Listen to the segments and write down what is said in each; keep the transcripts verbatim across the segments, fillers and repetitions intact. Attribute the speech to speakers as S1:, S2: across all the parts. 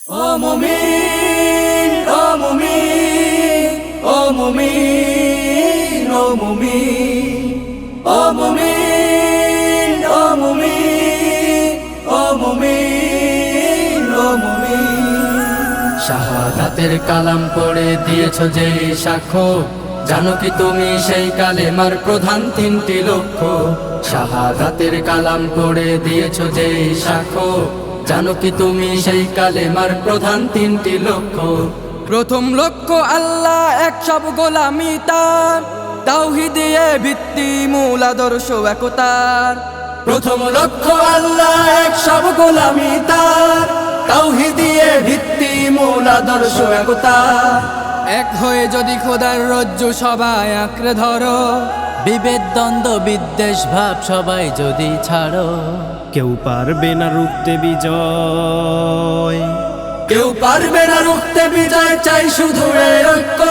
S1: ও মুমিন ও মুমিন ও মুমিন ও মুমিন ও মুমিন ও মুমিন ও মুমিন ও মুমিন শাহাদাতের কালাম পড়ে দিয়েছো যে সাক্ষ্য, জানো কি তুমি সেই কালেমার প্রধান তিনটি লক্ষ্য। শাহাদাতের কালাম পড়ে দিয়েছো যে সাক্ষ্য, জানো কি তুমি সেই কালেমার প্রধান তিনটি লক্ষ্য।
S2: প্রথম লক্ষ্য আল্লাহ এক সব গোলামি তার, তাওহীদে ভিত্তি মূল আদর্শ একতার।
S1: প্রথম লক্ষ্য আল্লাহ এক সব গোলামি তার, তাওহীদে ভিত্তি মূল আদর্শ একতার।
S2: এক হয়ে যদি খোদার রজ্জু সবাই আঁকড়ে ধরো,
S3: বিভেদ দ্বন্দ্ব বিদ্বেষ ভাব সবাই যদি ছাড়ো,
S4: কেউ পারবে না রুখতে বিজয়,
S1: কেউ পারবে না রুখতে বিজয়, চাই শুধু এই ঐক্য।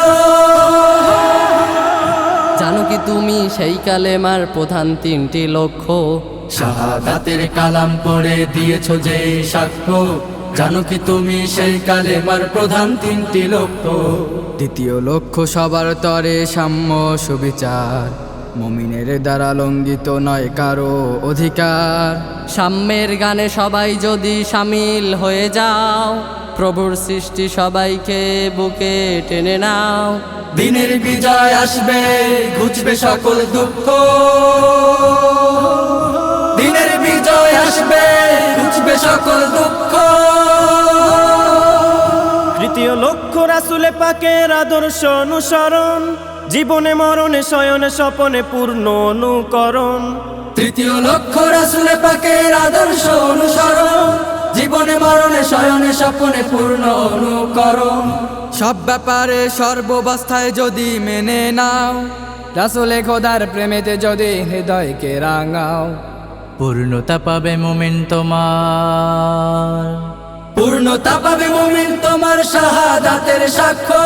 S3: জানো কি তুমি সেই কালেমার প্রধান তিনটি লক্ষ্য।
S1: শাহাদাতের কালাম পড়ে দিয়েছো যে সাক্ষ্য, জানো কি তুমি সেই কালেমার প্রধান তিনটি লক্ষ্য।
S2: দ্বিতীয় লক্ষ্য সবার তরে সাম্য সুবিচার, মুমিনের দ্বারা লঙ্ঘিত নয় কারো অধিকার।
S3: সাম্যের গানে সবাই যদি সামিল হয়ে যাও, প্রভুর সৃষ্টি সবাইকে বুকে টেনে নাও।
S1: দিনের বিজয় আসবে, ঘুচবে সকল দুঃখ। দিনের বিজয় আসবে, ঘুচবে সকল দুঃখ।
S4: তৃতীয় লক্ষ্য রাসূলে পাকের আদর্শ অনুসরণ, জীবনে মরণে শয়নে স্বপনে পূর্ণ অনুকরণ।
S1: তৃতীয় লক্ষ্য রাসূলে পাকের আদর্শ অনুসরণ, জীবনে মরণে শয়নে স্বপনে পূর্ণ অনুকরণ।
S2: সব ব্যাপারে সর্বাবস্থায় যদি মেনে নাও, রাসূলে খোদার প্রেমেতে যদি হৃদয়কে রাঙাও।
S3: পূর্ণতা পাবে মুমিন তোমার,
S1: পূর্ণতা পাবে মুমিন তোমার শাহাদাতের সাক্ষ্য।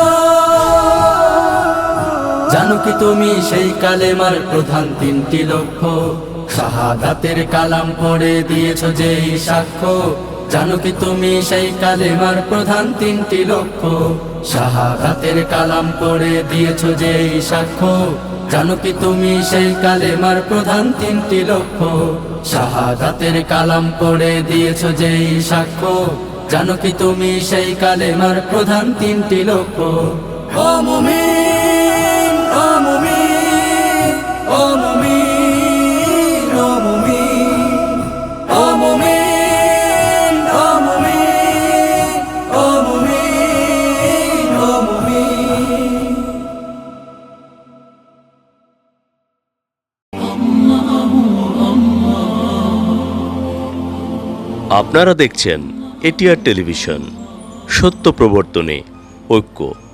S1: জানো কি তুমি সেই কালেমার প্রধান তিনটি লক্ষ্য। শাহাদাতের কালাম পড়ে দিয়েছো যে সাক্ষ্য, জানো কি তুমি সেই কালেমার প্রধান তিনটি লক্ষ্য। শাহাদাতের কালাম পড়ে দিয়েছো যে সাক্ষ্য, জানো কি তুমি সেই কালেমার প্রধান তিনটি লক্ষ্য। শাহাদাতের কালাম পড়ে দিয়েছো যে সাক্ষ্য, জানো কি তুমি সেই কালেমার প্রধান তিনটি লক্ষ্য। ও মুমিন ও মুমিন ও মুমিন ও মুমিন ও মুমিন ও মুমিন ও মুমিন ও মুমিন।
S5: আপনারা দেখছেন এটিআর টেলিভিশন, সত্য প্রবর্তনে ঐক্য।